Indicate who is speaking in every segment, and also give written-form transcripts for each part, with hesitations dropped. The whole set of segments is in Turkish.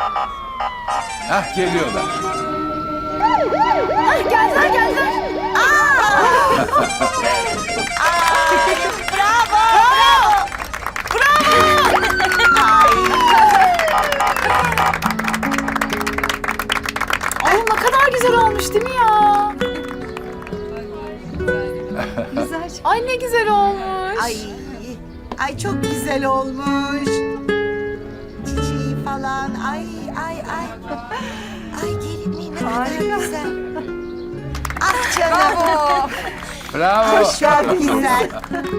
Speaker 1: Hah, geliyorlar.
Speaker 2: Geldiler. Ay ne kadar güzel olmuş değil mi ya? Güzel. Ay ne güzel olmuş.
Speaker 3: Ay çok güzel olmuş. Çiçeği falan. Ay. Ay gelinliği ne kadar güzel. Ah canım.
Speaker 1: Bravo.
Speaker 3: Çok güzel.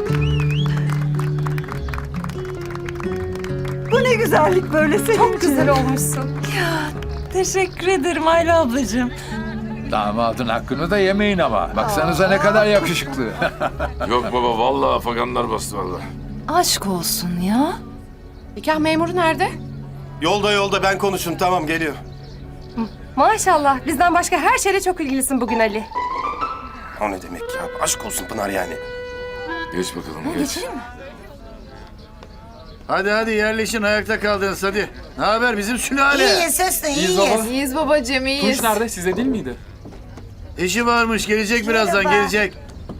Speaker 4: Bu ne güzellik böyle senin
Speaker 5: Çok güzel olmuşsun.
Speaker 4: Teşekkür ederim Ayla ablacığım.
Speaker 1: Damadın hakkını da yemeyin ama. Baksanıza ne kadar yakışıklı.
Speaker 6: Yok baba vallahi afaganlar bastı vallahi.
Speaker 4: Aşk olsun ya.
Speaker 5: Nikah memuru nerede?
Speaker 7: Yolda ben konuşun tamam geliyor.
Speaker 5: Maşallah. Bizden başka her şeyle çok ilgilisin bugün Ali.
Speaker 7: O ne demek ya? Aşk olsun Pınar yani.
Speaker 6: Geç bakalım geç.
Speaker 8: Hadi yerleşin, ayakta kaldınız hadi. Ne haber bizim sülale?
Speaker 3: İyiyiz Hüsnü iyiyiz.
Speaker 2: İyiyiz babacığım, iyiyiz.
Speaker 9: Tunç nerede? Size değil miydi?
Speaker 8: İşi varmış, gelecek birazdan,
Speaker 3: Merhaba.
Speaker 8: gelecek.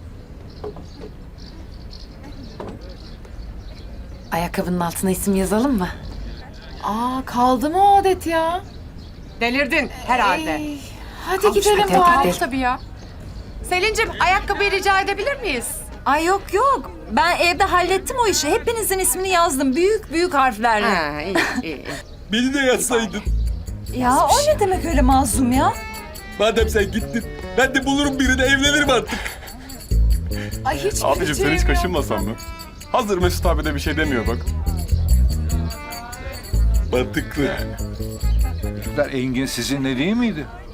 Speaker 10: Ayakkabının altına isim yazalım mı?
Speaker 2: Aa kaldı mı o adet ya?
Speaker 5: Delirdin herhalde.
Speaker 2: Hadi gidelim
Speaker 10: hadi,
Speaker 2: bari.
Speaker 10: hadi.
Speaker 5: Tabii ya. Selin'cim ayakkabıyı rica edebilir miyiz?
Speaker 4: Ay yok. Ben evde hallettim o işi. Hepinizin ismini yazdım. Büyük harflerle.
Speaker 5: Ha, iyi.
Speaker 9: Beni de yazsaydın.
Speaker 4: Ya o ne demek öyle mazlum ya?
Speaker 9: Madem sen gittin, ben de bulurum birini, evlenirim artık.
Speaker 2: Ay hiç
Speaker 11: Abicim sen hiç
Speaker 2: yok.
Speaker 11: kaşınmasan mı? Hazır Mesut abi de bir şey demiyor bak.
Speaker 9: Mantıklı.
Speaker 1: Çocuklar, Engin sizinle değil miydi?